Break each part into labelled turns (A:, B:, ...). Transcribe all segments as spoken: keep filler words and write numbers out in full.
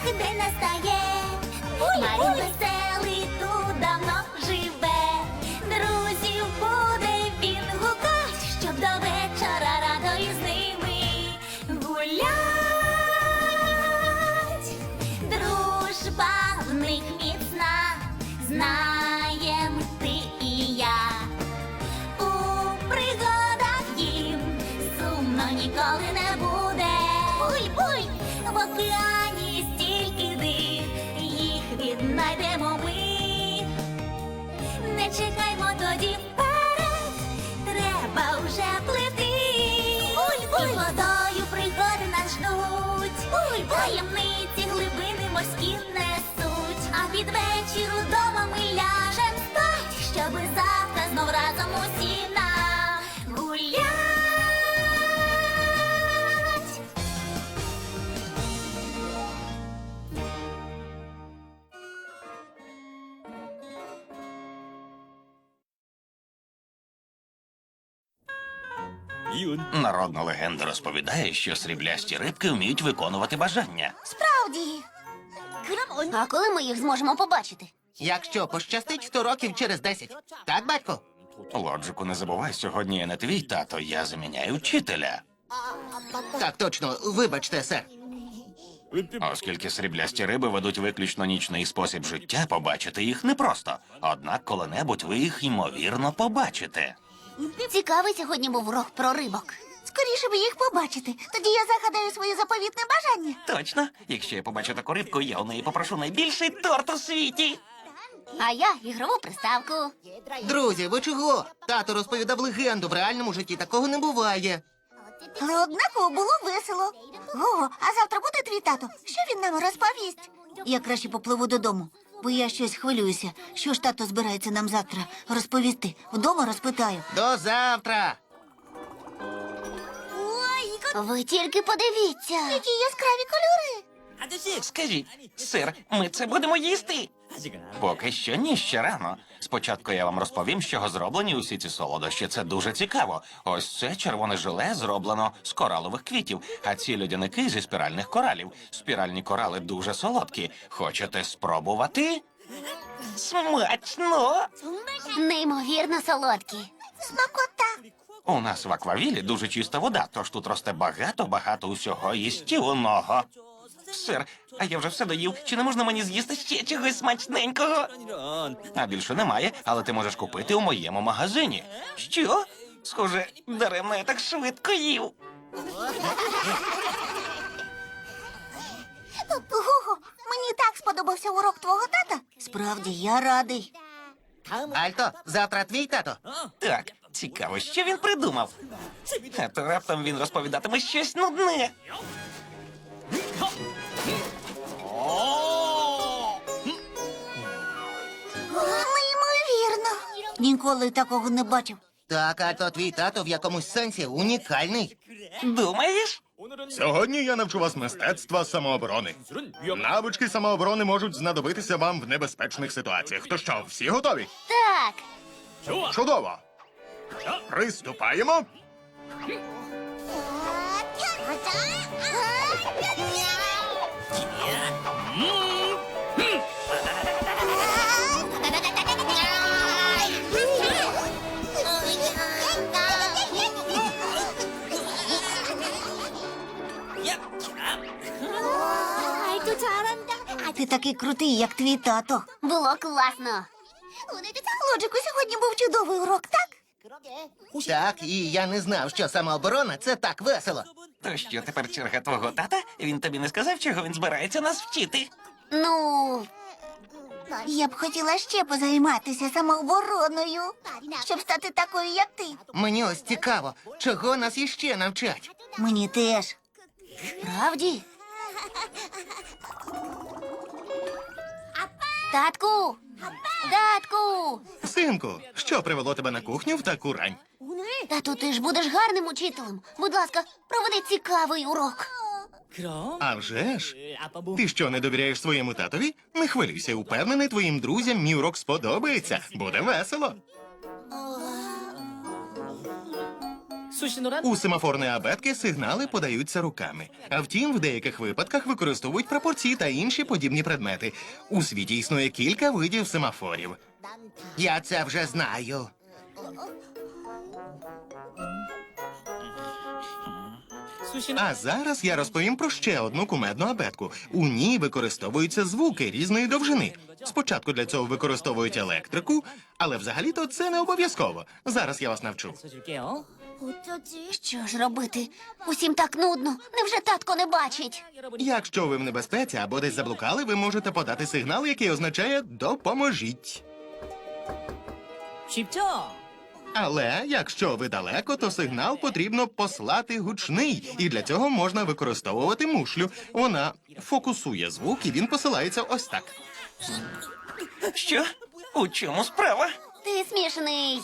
A: день настає. Марін веселий тут давно живе. Друзів буде він гукать, щоб до вечора радо із ними гулять. Дружба в них міцна, знаєм ти і я. У пригадах їм сумно ніколи не буде. Буй-буй! В океані стільки див, їх віднайдемо ми. Не чекаймо тоді вперед, треба вже плити. Буль-буль! І водою пригоди нас ждуть. Буль-буль! Таємниці глибини морські несуть. А під вечір удома ми ляжем спать, щоби завтра знов разом усі нагулять.
B: Народна легенда розповідає, що сріблясті рибки вміють виконувати бажання.
A: Справді. А коли ми їх зможемо побачити?
C: Якщо пощастить, сто років через десять. Так, батько?
B: Лоджику, не забувай, сьогодні я не твій тато, я заміняю вчителя.
C: Так, точно. Вибачте, сер.
B: Оскільки сріблясті риби ведуть виключно нічний спосіб життя, побачити їх непросто. Однак коли-небудь ви їх, ймовірно, побачите.
A: Цікавий сьогодні був урок про рибок. Скоріше б їх побачити. Тоді я загадаю своє заповітне бажання.
B: Точно? Якщо я побачу таку рибку, я у неї попрошу найбільший торт у світі.
A: А я ігрову приставку.
C: Друзі, ви чого? Тато розповідав легенду, в реальному житті такого не буває.
A: Але однаково було весело. Ого, а завтра буде твій тато? Що він нам розповість? Я краще попливу додому, бо я щось хвилююся. Що ж тато збирається нам завтра розповісти? Вдома розпитаю.
C: До завтра!
A: Ви тільки подивіться. Які яскраві кольори.
B: Скажіть, сир, ми це будемо їсти? Поки що ні, ще рано. Спочатку я вам розповім, з чого зроблені усі ці солодощі. Це дуже цікаво. Ось це червоне желе зроблено з коралових квітів, а ці льодяники зі спіральних коралів. Спіральні корали дуже солодкі. Хочете спробувати? Смачно!
A: Неймовірно солодкі. Смакота.
B: У нас в аквавілі дуже чиста вода, тож тут росте багато-багато усього їстівного. Сир, а я вже все доїв. Чи не можна мені з'їсти ще чогось смачненького? А більше немає, але ти можеш купити у моєму магазині. Що? Схоже, даремно я так швидко їв.
A: Гого, мені так сподобався урок твого тата. Справді, я радий.
C: Альто, завтра твій тато.
B: Так, цікаво, що він придумав. А то раптом він розповідатиме щось нудне.
A: Неймовірно. Ніколи такого не бачив.
C: Так, Альто, твій тато в якомусь сенсі унікальний.
B: Думаєш?
D: Сьогодні я навчу вас мистецтва самооборони. Навички самооборони можуть знадобитися вам в небезпечних ситуаціях. То що, всі готові?
A: Так.
D: Чудово! Приступаємо!
A: Ти такий крутий, як твій тато. Було класно. Лоджику, сьогодні був чудовий урок, так?
C: Так, і я не знав, що самооборона – це так весело.
B: То що, тепер черга твого тата? Він тобі не сказав, чого він збирається нас вчити?
A: Ну, я б хотіла ще позайматися самообороною, щоб стати такою, як ти.
C: Мені ось цікаво, чого нас іще навчать.
A: Мені теж. Справді? Татку! Татку!
D: Синку, що привело тебе на кухню в таку рань?
A: Тату, ти ж будеш гарним учителем. Будь ласка, проведи цікавий урок.
D: А вже ж? Ти що, не довіряєш своєму татові? Не хвилюйся, упевнений, твоїм друзям мій урок сподобається. Буде весело. У семафорної абетки сигнали подаються руками. А втім, в деяких випадках використовують прапорці та інші подібні предмети. У світі існує кілька видів семафорів.
C: Я це вже знаю.
D: А зараз я розповім про ще одну кумедну абетку. У ній використовуються звуки різної довжини. Спочатку для цього використовують електрику, але взагалі-то це не обов'язково. Зараз я вас навчу.
E: 줄게요.
A: Що ж робити? Усім так нудно. Невже татко не бачить?
D: Якщо ви в небезпеці або десь заблукали, ви можете подати сигнал, який означає «допоможіть».
E: 쉽죠?
D: Але якщо ви далеко, то сигнал потрібно послати гучний. І для цього можна використовувати мушлю. Вона фокусує звук, і він посилається ось так.
B: Що? У чому справа?
A: Ти смішний.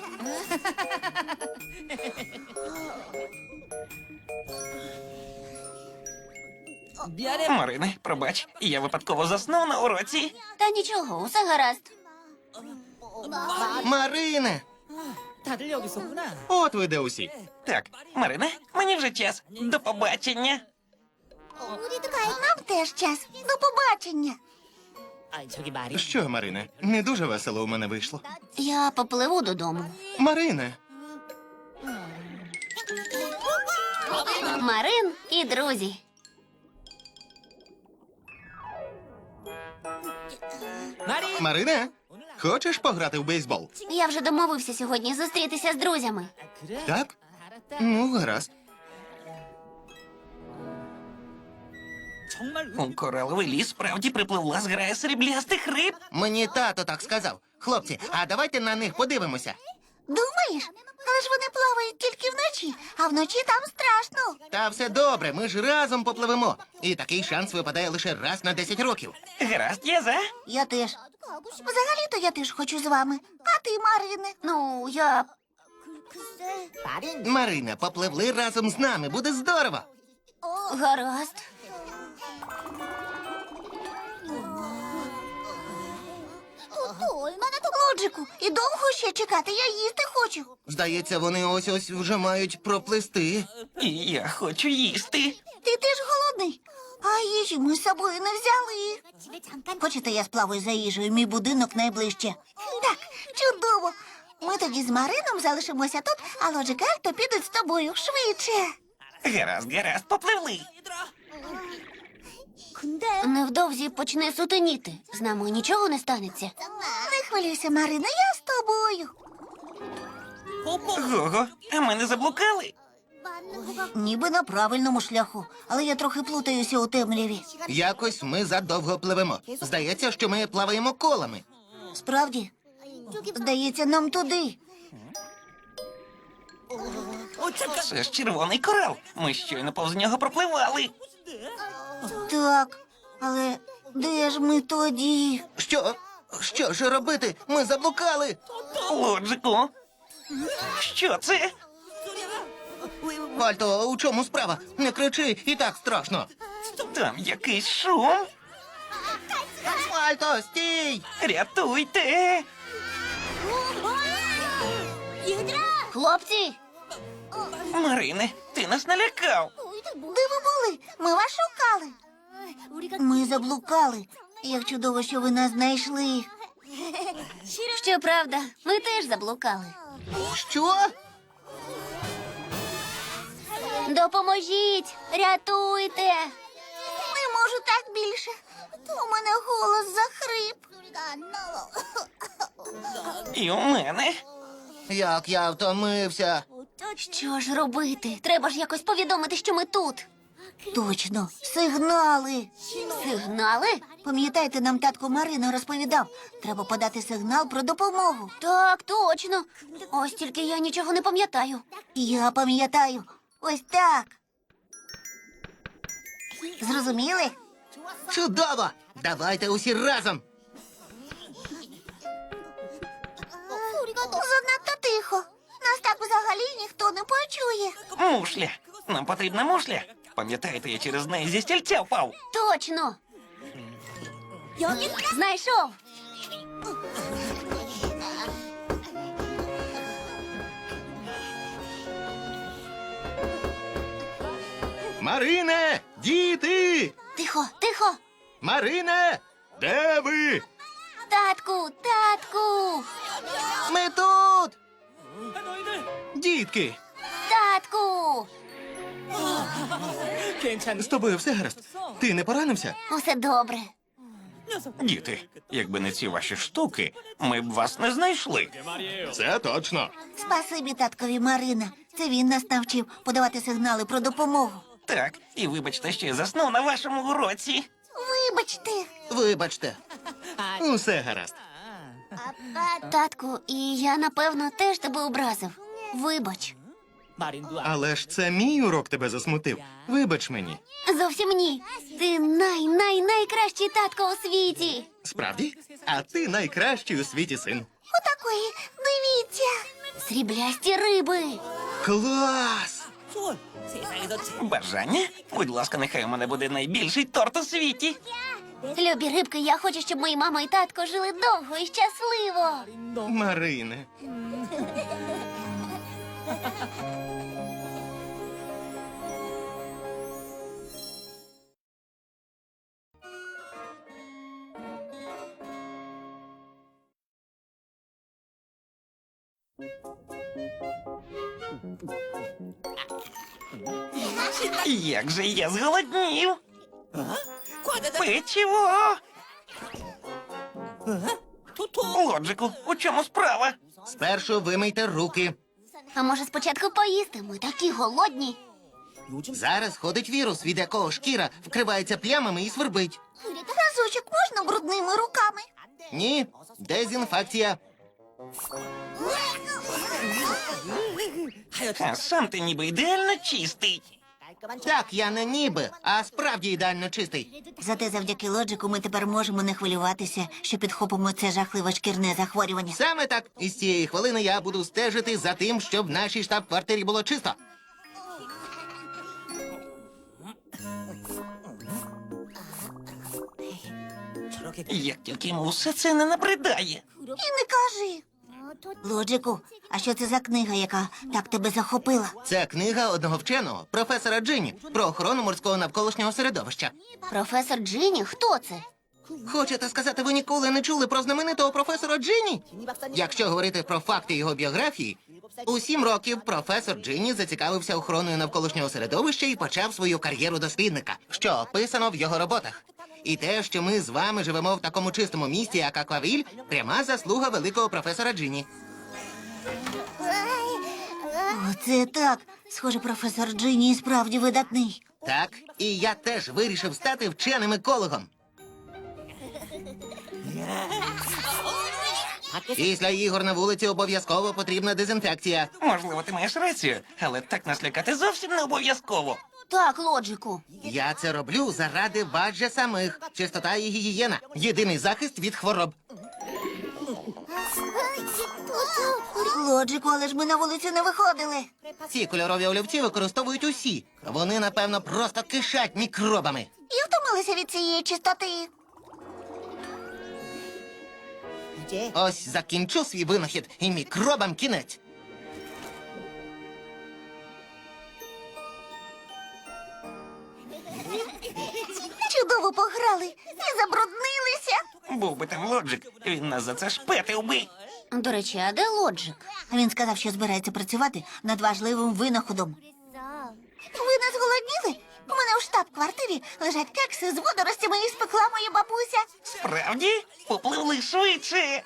E: 미안해.
B: Марине, пробач, я випадково заснув на уроці.
A: Та нічого, усе гаразд.
C: Марине!
E: 다들 여기 있었구나.
D: От ви де усі.
B: Так, Марине, мені вже час. До побачення.
A: Нам теж час. До побачення.
E: 아, 저기 말이.
D: Що, Марине, не дуже весело у мене вийшло.
A: Я попливу додому.
D: Марине,
A: Марин і друзі.
E: 말이.
D: Марине, хочеш пограти в бейсбол?
A: Я вже домовився сьогодні зустрітися з друзями.
E: 그래?
D: Так?
E: 알았다.
D: Ну, гаразд.
E: 정말
B: У кораловий ліс справді припливла зграя сріблястих риб.
C: Мені тато так сказав. Хлопці, а давайте на них подивимося.
A: Думаєш? Але ж вони плавають тільки вночі, а вночі там страшно.
C: Та все добре, ми ж разом попливемо. І такий шанс випадає лише раз на десять років.
B: Гаразд, я за.
A: Я теж. Взагалі-то я теж хочу з вами. А ти, Марине? Ну, я.
C: Марина, попливли разом з нами, буде здорово.
A: Гаразд. Лоджику, і довго ще чекати? Я їсти хочу.
C: Здається, вони ось-ось вже мають проплисти.
B: І я хочу їсти.
A: Ти теж голодний? А їжі ми з собою не взяли. Хочете, я сплаваю за їжею, мій будинок найближче. Так, чудово. Ми тоді з Марином залишимося тут, а Лоджик і Альто підуть з тобою швидше.
B: Гаразд, гаразд, попливли.
A: Невдовзі почне сутеніти. З нами нічого не станеться. Не хвилюйся, Марина, я з тобою.
B: Гого, а ми не заблукали?
A: Ніби на правильному шляху, але я трохи плутаюся у темряві.
C: Якось ми задовго пливемо. Здається, що ми плаваємо колами.
A: Справді? Здається, нам туди.
B: Це ж червоний корал. Ми щойно повз нього пропливали.
A: Так, але де ж ми тоді?
C: Що? Що ж робити? Ми заблукали.
B: Лоджику. Що це?
C: Альто, у чому справа? Не кричи, і так страшно.
B: Там якийсь шум.
C: Альто, стій!
B: Рятуйте.
A: Хлопці,
B: Марине, ти нас налякав.
A: де ви були? Ми вас шукали. Ми заблукали. Як чудово, що ви нас знайшли. Щоправда, ми теж заблукали.
C: Що?
A: Допоможіть! Рятуйте! Не можу так більше. У мене голос захрип.
B: І у мене.
C: Як я втомився.
A: Що ж робити? Треба ж якось повідомити, що ми тут. Точно, сигнали. Сигнали? Пам'ятаєте, нам татко Марина розповідав. Треба подати сигнал про допомогу. Так, точно. Ось тільки я нічого не пам'ятаю. Я пам'ятаю. Ось так. Зрозуміли?
C: Чудово! Давайте усі разом.
A: Занадто тихо. Нас так взагалі ніхто не почує.
B: Мушля. Нам потрібна мушля. Пам'ятаєте, я через неї зі стільця впав.
A: Точно. Знайшов.
D: Марине! Діти!
A: Тихо, тихо!
D: Марине! Де ви?
A: Татку, татку!
C: Ми тут!
D: Дітки!
A: Татку!
E: 괜찮니?
D: З тобою все гаразд? Ти не поранився?
A: Усе добре.
B: Діти, якби не ці ваші штуки, ми б вас не знайшли.
D: Це точно.
A: Спасибі таткові Марина. Це він нас навчив подавати сигнали про допомогу.
B: Так, і вибачте, що я заснув на вашому уроці.
A: Вибачте.
C: Вибачте.
D: Усе гаразд.
A: Татку, і я, напевно, теж тебе образив. Вибач.
E: 마린도 안
D: Але ж це мій урок тебе засмутив. Вибач мені.
A: Зовсім ні. Ти най-най-найкращий татко у світі.
D: Справді? А ти найкращий у світі син.
A: Отакої, дивіться. Сріблясті риби.
D: Клас!
E: 소원 세상에서 제일
B: Бажання? Будь ласка, нехай у мене буде найбільший торт у світі.
A: Любі рибки, я хочу, щоб мої мама і татко жили довго і щасливо.
D: Марине.
B: Як же я зголоднів.
E: 과자다
B: Печиво!
E: 토토
B: Лоджику, у чому справа?
C: Спершу вимийте руки.
A: А може спочатку поїсти? Ми такі голодні.
E: 요즘
C: Зараз ходить вірус, від якого шкіра вкривається плямами і свербить.
A: Разочок можна брудними руками?
C: Ні, дезінфекція.
B: А сам ти ніби ідеально чистий.
C: Так, я не ніби, а справді ідеально чистий.
A: Зате завдяки лоджику ми тепер можемо не хвилюватися, що підхопимо це жахливе шкірне захворювання.
C: Саме так. І з цієї хвилини я буду стежити за тим, щоб в нашій штаб-квартирі було чисто.
E: 저렇게
B: Як тільки йому все це не набридає.
A: І не кажи. Лоджику, а що це за книга, яка так тебе захопила?
C: Це книга одного вченого, професора Джині, про охорону морського навколишнього середовища.
A: Професор Джині? Хто це?
C: Хочете сказати, ви ніколи не чули про знаменитого професора Джині? Якщо говорити про факти його біографії, у сім років професор Джині зацікавився охороною навколишнього середовища і почав свою кар'єру дослідника, що описано в його роботах. І те, що ми з вами живемо в такому чистому місті, як Аквавіль, пряма заслуга великого професора Джині.
A: Оце так. Схоже, професор Джині і справді видатний.
C: Так, і я теж вирішив стати вченим екологом. Після ігор на вулиці обов'язково потрібна дезінфекція.
B: Можливо, ти маєш рацію, але так нас лякати зовсім не обов'язково.
A: Так, Лоджику.
C: Я це роблю заради вас же самих. Чистота і гігієна – єдиний захист від хвороб.
A: Лоджику, але ж ми на вулицю не виходили.
C: Ці кольорові олівці використовують усі. Вони, напевно, просто кишать мікробами.
A: І втомилися від цієї чистоти.
E: 이제
C: Ось закінчу свій винахід, і мікробам кінець.
A: Чудово пограли і забруднилися.
B: Був би там Лоджик, він нас за це шпетив би.
A: До речі, а де Лоджик? Він сказав, що збирається працювати над важливим винаходом. Ви не зголодніли? У мене у штаб-квартирі лежать кекси з водоростями і спекла моя бабуся.
B: Справді? Попливли швидше.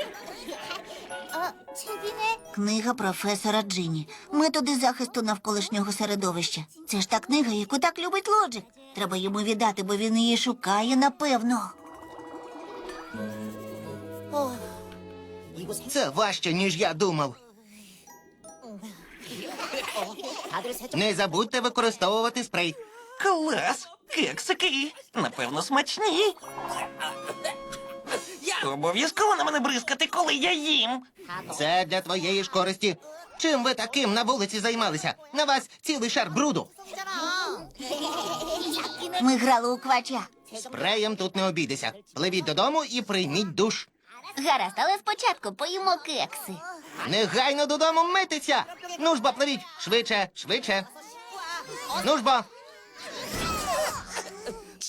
A: Книга професора Джині. Методи захисту навколишнього середовища. Це ж та книга, яку так любить Лоджик. Треба йому віддати, бо він її шукає, напевно.
E: 이곳
C: Це важче, ніж я думав.
E: 다들 세척
C: Не забудьте використовувати спрей.
B: Клас! Кексики! Напевно, смачні. Обов'язково на мене бризкати, коли я їм.
C: Це для твоєї ж користі. Чим ви таким на вулиці займалися? На вас цілий шар бруду.
A: Ми грали у квача.
C: Спреєм тут не обійдеся. Пливіть додому і прийміть душ.
A: Гаразд, але спочатку поїмо кекси.
C: Негайно додому митися! Ну ж бо, пливіть! Швидше, швидше. Ну ж бо.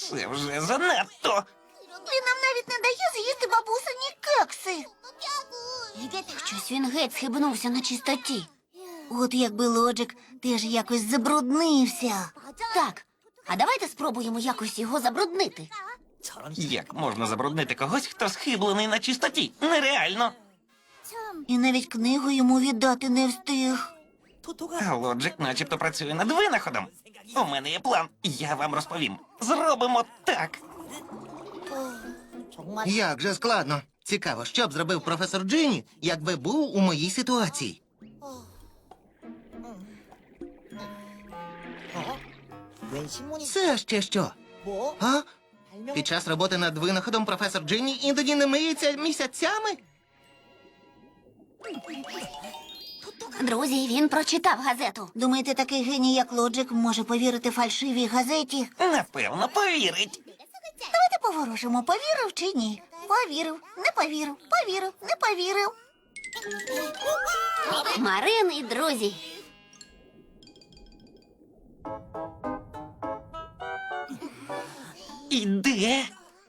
B: Це вже занадто.
A: Він нам навіть не дає з'їсти бабусині кекси. Щось він геть схибнувся на чистоті. От якби Лоджик теж якось забруднився. Так, а давайте спробуємо якось його забруднити.
B: Як можна забруднити когось, хто схиблений на чистоті? Нереально.
A: І навіть книгу йому віддати не встиг.
B: А Лоджик начебто працює над винаходом. У мене є план. Я вам розповім. Зробимо так.
C: Як же складно. Цікаво, що б зробив професор Джині, якби був у моїй ситуації.
E: 웬 신문이
C: Це ще що?
E: 뭐?
C: А? Під час роботи над винаходом професор Джині іноді не миється місяцями?
A: Друзі, він прочитав газету. Думаєте, такий геній, як Лоджик, може повірити фальшивій газеті?
B: Напевно, повірить.
A: Давайте поворожимо, повірив чи ні. Повірив, не повірив, повірив, не повірив. Марин і друзі.
B: Іде.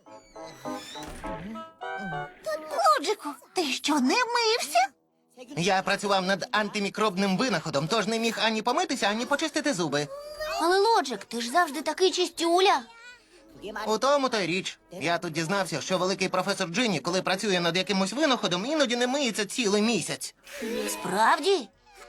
A: Лоджику, ти що, не мився?
C: Я працював над антимікробним винаходом, тож не міг ані помитися, ані почистити зуби.
A: Але Лоджик, ти ж завжди такий чистюля.
C: У тому то й річ. Я тут дізнався, що великий професор Джині, коли працює над якимось винаходом, іноді не миється цілий місяць.
A: Справді?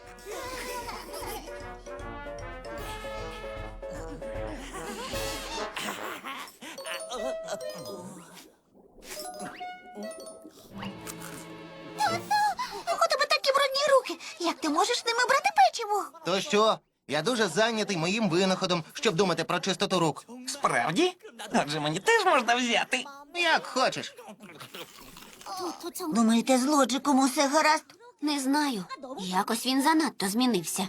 A: У тебе такі брудні руки. Як ти можеш ними брати печиво?
C: То що? Я дуже зайнятий моїм винаходом, щоб думати про чистоту рук.
B: Справді? Отже, мені теж можна взяти.
C: Як хочеш.
A: Думаєте, з Лоджиком усе гаразд? Не знаю. Якось він занадто змінився.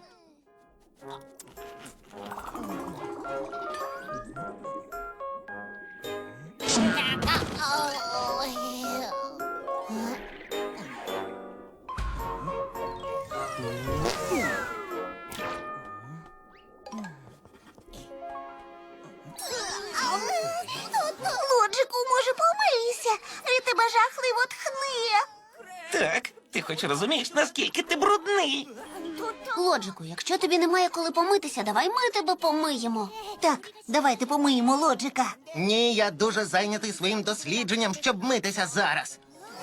A: Лоджику, може, помийся? Від тебе жахливо тхне.
B: Так, ти хоч розумієш, наскільки ти брудний.
A: Лоджику, якщо тобі немає коли помитися, давай ми тебе помиємо. Так, давайте помиємо Лоджика.
C: Ні, я дуже зайнятий своїм дослідженням, щоб митися зараз.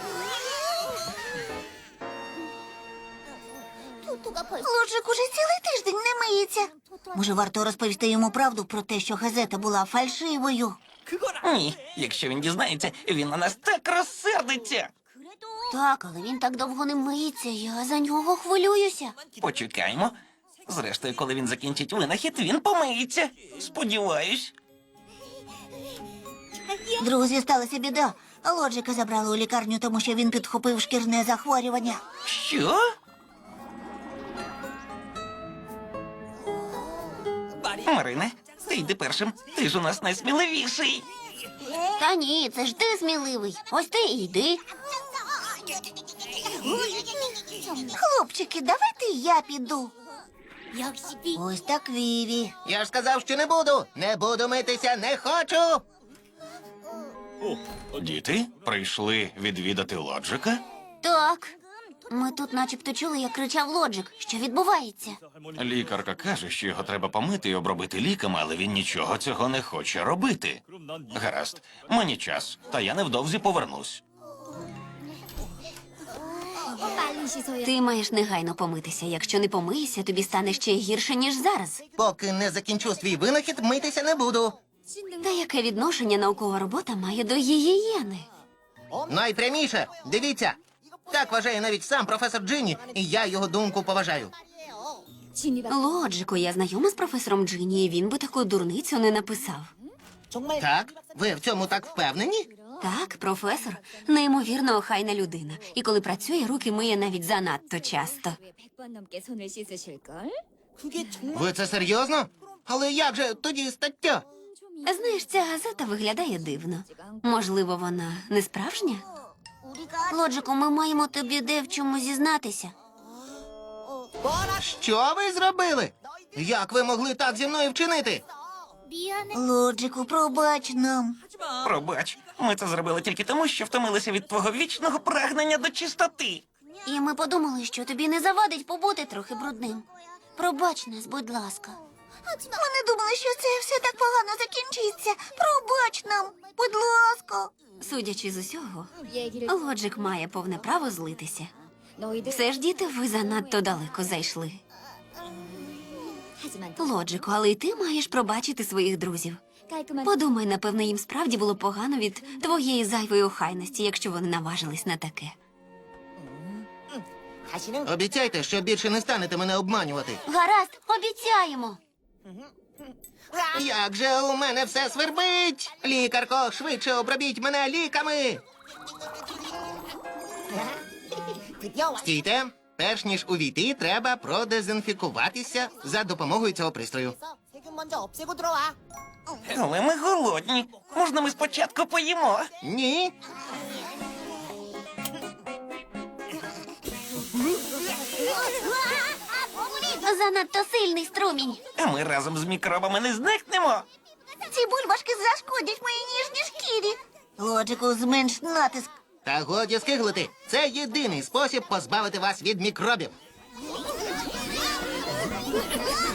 A: Лоджик уже цілий тиждень не миється. Може, варто розповісти йому правду про те, що газета була фальшивою?
B: Ні, якщо він дізнається, він на нас так розсердиться.
A: Так, але він так довго не миється, я за нього хвилююся.
B: Почекаємо. Зрештою, коли він закінчить винахід, він помиється. Сподіваюсь.
A: Друзі, сталася біда. Лоджика забрали у лікарню, тому що він підхопив шкірне захворювання.
B: Що? Марине, ти йди першим. Ти ж у нас найсміливіший.
A: Та ні, це ж ти сміливий. Ось ти і йди. Хлопчики, давайте я піду. Ось так Віві.
C: Я ж сказав, що не буду. Не буду митися, не хочу.
B: Діти прийшли відвідати Лоджика?
A: Так. Ми тут начебто чули, як кричав Лоджик. Що відбувається?
B: Лікарка каже, що його треба помити і обробити ліками, але він нічого цього не хоче робити. Гаразд, мені час, та я невдовзі повернусь.
A: Ти маєш негайно помитися. Якщо не помиєшся, тобі стане ще гірше, ніж зараз.
C: Поки не закінчу свій винахід, митися не буду.
A: Та яке відношення наукова робота має до гігієни?
C: Найпряміше, дивіться. Так вважає навіть сам професор Джині, і я його думку поважаю.
A: Лоджику, я знайома з професором Джині, і він би таку дурницю не написав.
E: 정말
C: Так? Ви в цьому так впевнені?
A: Так, професор, неймовірно охайна людина. І коли працює, руки миє навіть занадто часто.
F: 백 번 넘게 손을 씻으실걸?
E: 그게 정말
C: Ви це серйозно? Але як же тоді стаття?
A: Знаєш, ця газета виглядає дивно. Можливо, вона не справжня? Лоджику, ми маємо тобі де в чому зізнатися.
C: Що ви зробили? Як ви могли так зі мною вчинити?
A: Лоджику, пробач нам.
B: Пробач, ми це зробили тільки тому, що втомилися від твого вічного прагнення до чистоти.
A: І ми подумали, що тобі не завадить побути трохи брудним. Пробач нас, будь ласка. Ми не думали, що це все так погано закінчиться. Пробач нам, будь ласка.
G: Судячи з усього,
F: 얘기를
G: Лоджик має повне право злитися.
F: 너희들
G: Все ж, діти, ви занадто далеко зайшли.
F: 하지만
G: Лоджику, але й ти маєш пробачити своїх друзів.
F: 깔끔한
G: Подумай, напевно, їм справді було погано від твоєї зайвої охайності, якщо вони наважились на таке.
E: 다시는
C: Обіцяйте, що більше не станете мене обманювати.
A: Гаразд, обіцяємо.
C: Як же у мене все свербить! Лікарко, швидше обробіть мене ліками!
E: 드디어 왔.
C: Стійте! Перш ніж увійти, треба продезінфікуватися за допомогою цього пристрою.
E: 세균 먼저 없애고 들어와.
B: Але ми голодні. Можна ми спочатку поїмо?
C: Ні.
A: Занадто сильний струмінь.
B: А ми разом з мікробами не зникнемо.
A: Ці бульбашки зашкодять моїй ніжній шкірі. Лоджику, зменш натиск.
C: Та годі скиглити. Це єдиний спосіб позбавити вас від мікробів.
A: А!